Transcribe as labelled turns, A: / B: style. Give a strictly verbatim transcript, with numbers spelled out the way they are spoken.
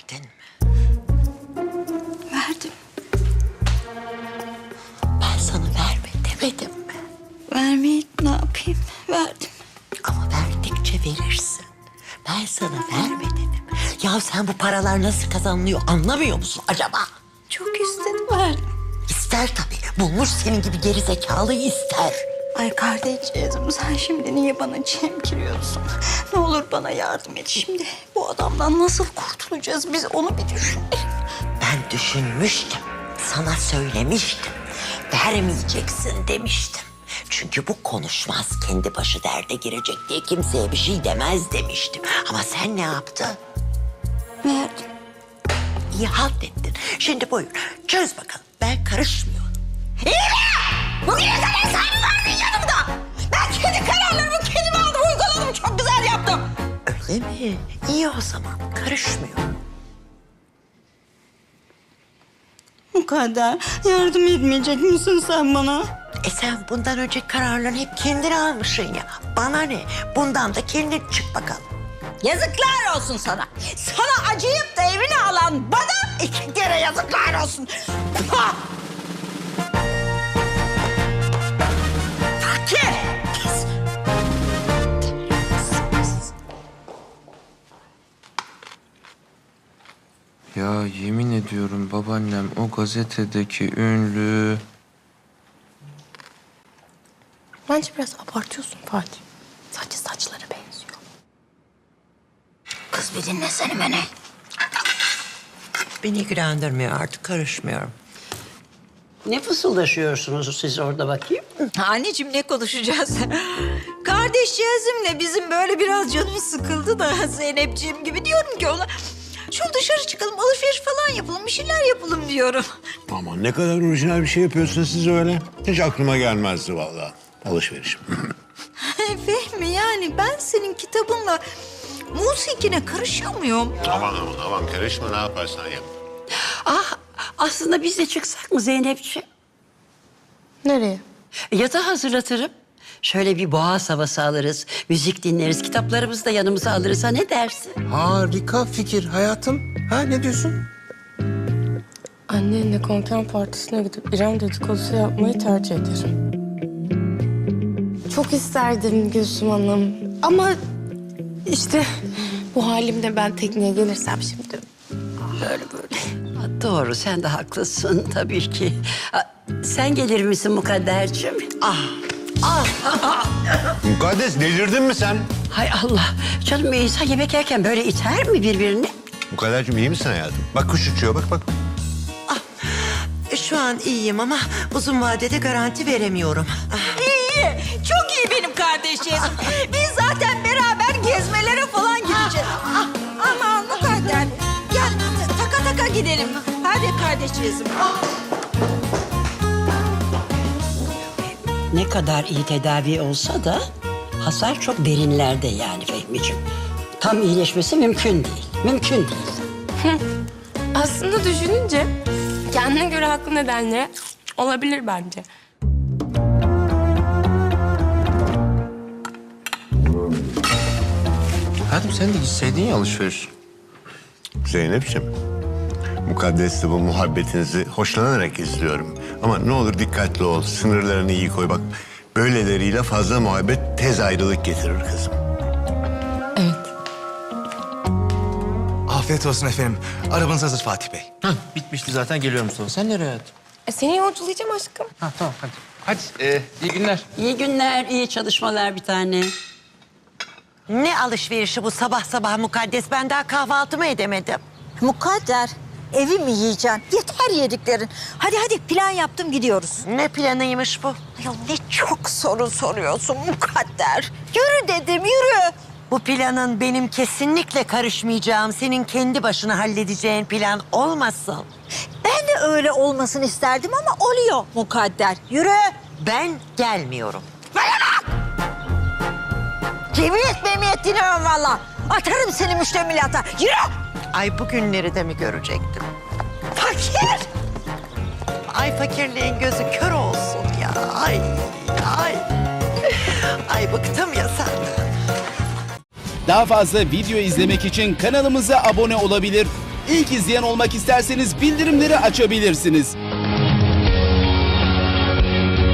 A: verdin mi?
B: Verdim.
A: Ben sana verme demedim mi?
B: Vermeyi ne yapayım? Verdim.
A: Ama verdikçe verirsin. Ben sana verme dedim. Ya sen bu paralar nasıl kazanılıyor anlamıyor musun acaba?
B: Çok istedim, verdim.
A: İster tabii. Bulmuş senin gibi geri zekalıyı ister.
B: Ay kardeşim, sen şimdi niye bana çemkiriyorsun? Ne olur bana yardım et şimdi. Bu adamdan nasıl kurtulacağız biz, onu bir düşünelim.
A: Ben düşünmüştüm. Sana söylemiştim. Vermeyeceksin demiştim. Çünkü bu konuşmaz, kendi başı derde girecek diye kimseye bir şey demez demiştim. Ama sen ne yaptın?
B: Verdim.
A: İyi halt ettin. Şimdi buyur, çöz bakalım. Ben karışmıyorum. İyi mi? Bugüne kadar sen mi vardın yanımda? Ben kendi kararlarımı kendim aldım, uyguladım. Çok güzel yaptım. Öyle mi? İyi o zaman. Karışmıyorum.
B: Mukadder, yardım etmeyecek misin sen bana?
A: E sen bundan önce kararlarını hep kendin almışsın ya. Bana ne? Bundan da kendin çık bakalım.
B: Yazıklar olsun sana. Sana acıyıp da evini alan bana iki kere yazıklar olsun. Pah! Fakir! Pis!
C: Ya yemin ediyorum babaannem o gazetedeki ünlü...
D: Bence biraz abartıyorsun Fatih. Sadece saçları benziyor.
B: Kız bir dinlesene beni.
A: Beni ilgilendirmiyor artık, karışmıyorum.
E: Ne fısıldaşıyorsunuz siz orada bakayım?
B: Anneciğim ne konuşacağız? Kardeşcağızımla bizim böyle biraz canımız sıkıldı da Zeynepciğim gibi diyorum ki ona... Şu dışarı çıkalım, alışveriş falan yapalım, bir şeyler yapalım diyorum.
F: Aman ne kadar orijinal bir şey yapıyorsunuz siz öyle. Hiç aklıma gelmezdi vallahi. Alışveriş.
B: Fehmi yani ben senin kitabınla musikine karışıyor muyum?
F: Aman aman aman karışma ne yaparsan yap.
E: Ah aslında biz de çıksak mı Zeynepciğim?
D: Nereye?
E: Yatağı hazırlatırım. Şöyle bir boğaz havası alırız, müzik dinleriz, kitaplarımızı da yanımıza alırız. Ha ne dersin?
C: Harika fikir hayatım. Ha ne diyorsun?
D: Annenle konken partisine gidip İrem dedikodusu yapmayı tercih ederim. Çok isterdim Gülsüm Hanım. Ama işte bu halimle ben tekneye gelirsem şimdi böyle böyle.
E: Ha, doğru sen de haklısın tabii ki. Ha, sen gelir misin Mukadderciğim? Ah.
F: Mukaddes delirdin mi sen?
E: Hay Allah. Canım insan yemek yerken böyle iter mi birbirini?
F: Mukadderciğim iyi misin hayatım? Bak kuş uçuyor bak bak.
A: E, Şu an iyiyim ama uzun vadede garanti veremiyorum. Ah,
B: İyi, çok iyi benim kardeşcağızım. Biz zaten beraber gezmelere falan gideceğiz. Ah, aman Mukadder, gel taka taka gidelim. Hadi kardeşcağızım.
E: Ne kadar iyi tedavi olsa da hasar çok derinlerde yani Fehmi'ciğim. Tam iyileşmesi mümkün değil. Mümkün değil.
D: Aslında düşününce kendine göre haklı nedenle olabilir bence.
C: Hayatım sen de gitseydin ya alışveriş.
F: Zeynep'ciğim. Mukaddes'le bu muhabbetinizi hoşlanarak izliyorum. Ama ne olur dikkatli ol, sınırlarını iyi koy. Bak böyleleriyle fazla muhabbet tez ayrılık getirir kızım.
D: Evet.
G: Afiyet olsun efendim. Arabanız hazır Fatih Bey.
C: Hah, bitmişti zaten geliyorum sonra. Sen nereye hayatım?
D: E, seni yolculayacağım aşkım.
C: Ha tamam hadi. Hadi e, iyi günler.
E: İyi günler, iyi çalışmalar bir tane.
A: Ne alışverişi bu sabah sabah Mukaddes? Ben daha kahvaltımı edemedim.
B: Mukadder, evi mi yiyeceksin? Yeter yediklerin. Hadi hadi plan yaptım gidiyoruz.
A: Ne planıymış bu?
B: Ya ne çok soru soruyorsun Mukadder. Yürü dedim yürü.
A: Bu planın benim kesinlikle karışmayacağım, senin kendi başına halledeceğin plan olmasın.
B: Ben de öyle olmasını isterdim ama oluyor Mukadder. Yürü.
A: Ben gelmiyorum.
B: Cemiyet memiyet dinlemem valla. Atarım seni müştemilata. Yürü.
A: Ay bu günleri de mi görecektim?
B: Fakir.
A: Ay fakirliğin gözü kör olsun ya. Ay, ay. Ay bıktım ya senden.
H: Daha fazla video izlemek için kanalımıza abone olabilir. İlk izleyen olmak isterseniz bildirimleri açabilirsiniz.